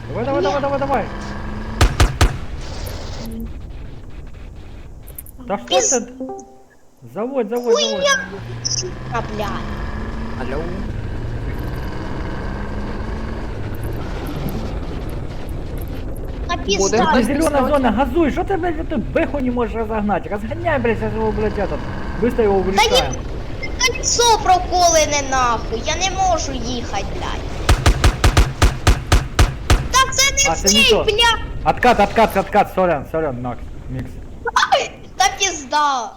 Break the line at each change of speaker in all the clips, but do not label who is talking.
Давай, давай, давай, давай, давай. Да что
Пиз-
ты? Заводь, заводь, заводь.
А, блядь.
Алло.
А
Буде
пизда.
Это
хтось
зеленая
писать?
зона, газуй, что ты, блядь, эту бэху не можешь разогнать? Разгоняй, блядь, сейчас его, блядь, этот. Быстро его вылетаем.
Кольцо проколене нахуй. Я не можу їхати, блядь. Та це не
А, це не
цей,
то.
блядь.
Откат, откат, откат, сорян, сорян, Макс, микс.
Та пізда.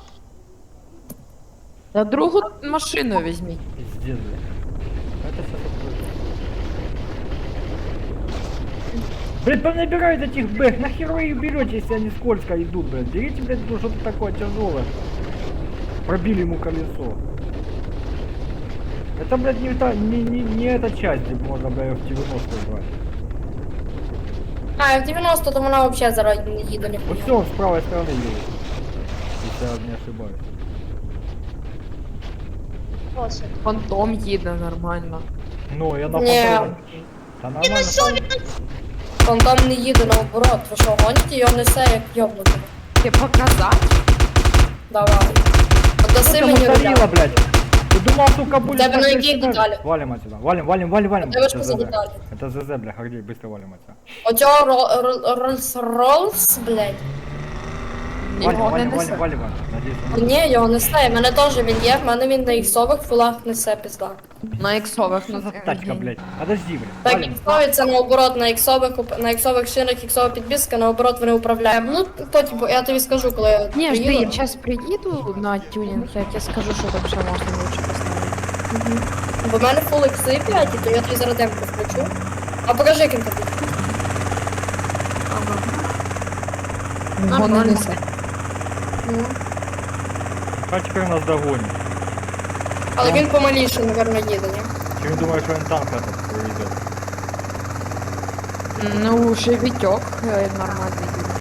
Та другу машину візьміть.
Пиздец, блядь. Это все такое. Блядь, понабирают этих бэх, нахер вы их берете, если они скользко идут, блядь. Берите, блядь, ну, что-то такое тяжелое. Пробили ему колесо. Это, блядь, не эта часть, где можно, блядь, в 90 брать.
А, в 90 то вона взагалі зараз не їде
Вот
ніхуя.
все, он с правой стороны едет. Если я не ошибаюсь.
Просто.
Фантом їде нормально.
Ну, я на
Ні.
фантоме. Да
Він
нормально.
ось він
Фантом не їде наоборот. Ви що, гоніте? Його несе як йобнути.
Ти показати?
Давай. Отдаси
Что ты
мені
мусорила,
руля.
блядь? Ты думал, сука, будет...
Тебе на
так
какие
сюда?
детали?
Валим отсюда. Валим, валим, валим, валим.
Тебе что
Это
за
ЗЗ.
детали?
Это ЗЗ, бля, Гордей, быстро валим отсюда.
Оцього Роллс, блядь.
Валим,
Його не
валим,
несе.
валим, валим. Надеюсь,
Ні, його несе. В мене теж він є, в мене він на іксових фулах несе пізда.
На іксових,
что
ну
за тачка, блядь? Подожди, блядь.
Так,
Валим.
іксові це наоборот на іксових шинах, іксова підбіска, наоборот вони управляють. Ну, потім, я тобі скажу, коли я
Ні, жди,
приїду.
я зараз приїду на тюнінг, я тебе скажу, що там ще можна лучше поставити.
Бо в мене фул ікси 5, то я тобі зараз демку включу. А покажи, яким тобі.
Ага.
Нормально.
Його не несе.
Ну.
А теперь нас догонит.
Але він помаліше, напевно, їде, ні?
Ты думаешь, что он танк этот проведет?
Ну, ще вітьок нормальний.